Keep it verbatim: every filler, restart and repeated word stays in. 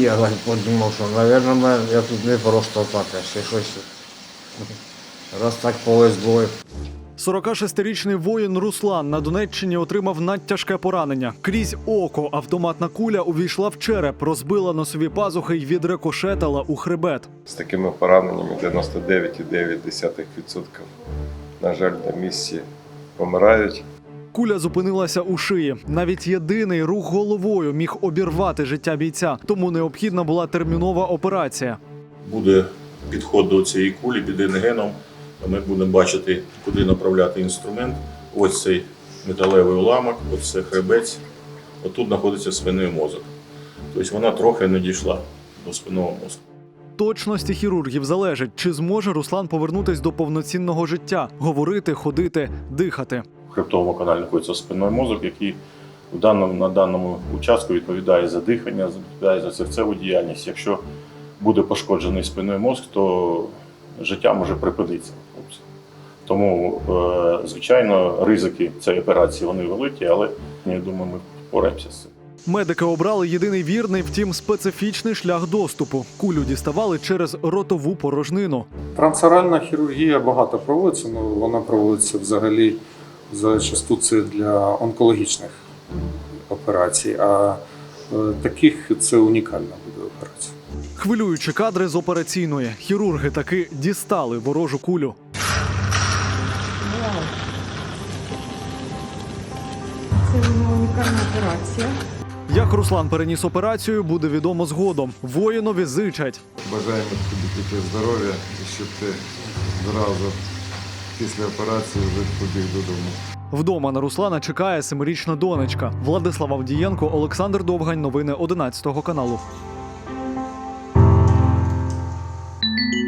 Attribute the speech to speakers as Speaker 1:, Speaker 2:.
Speaker 1: я подумав, що, мабуть, я тут не просто так, а ще щось. Раз так повезло.
Speaker 2: сорокашестирічний воїн Руслан на Донеччині отримав надтяжке поранення. Крізь око автоматна куля увійшла в череп, розбила носові пазухи й відрикошетила у хребет.
Speaker 3: З такими пораненнями дев'яносто дев'ять цілих дев'ять десятих відсотка, на жаль, на місці помирають.
Speaker 2: Куля зупинилася у шиї. Навіть єдиний рух головою міг обірвати життя бійця, тому необхідна була термінова операція.
Speaker 4: Буде підход до цієї кулі під рентгеном. Ми будемо бачити, куди направляти інструмент. Ось цей металевий уламок, ось це хребець. Отут знаходиться спинний мозок. Тобто вона трохи не дійшла до спинного мозку.
Speaker 2: Точності хірургів залежить, чи зможе Руслан повернутись до повноцінного життя, говорити, ходити, дихати.
Speaker 4: В хребтовому каналі знаходиться спинний мозок, який в даному, на даному участку відповідає за дихання, відповідає за серцеву діяльність. Якщо буде пошкоджений спинний мозок, то життя може припинитися. Тому, звичайно, ризики цієї операції вони великі, але я думаю, ми впораємося з цим.
Speaker 2: Медики обрали єдиний вірний, втім специфічний шлях доступу. Кулю діставали через ротову порожнину.
Speaker 5: Трансоральна хірургія багато проводиться, але вона проводиться взагалі зачасту це для онкологічних операцій, а таких це унікальна буде операція.
Speaker 2: Хвилюючі кадри з операційної. Хірурги таки дістали ворожу кулю.
Speaker 6: Це унікальна операція.
Speaker 2: Як Руслан переніс операцію, буде відомо згодом. Воїнові зичать.
Speaker 3: Бажаємо тобі тільки здоров'я і щоб ти зразу після операції вже побіг додому.
Speaker 2: Вдома на Руслана чекає семирічна донечка. Владислав Авдієнко, Олександр Довгань. Новини одинадцятого каналу.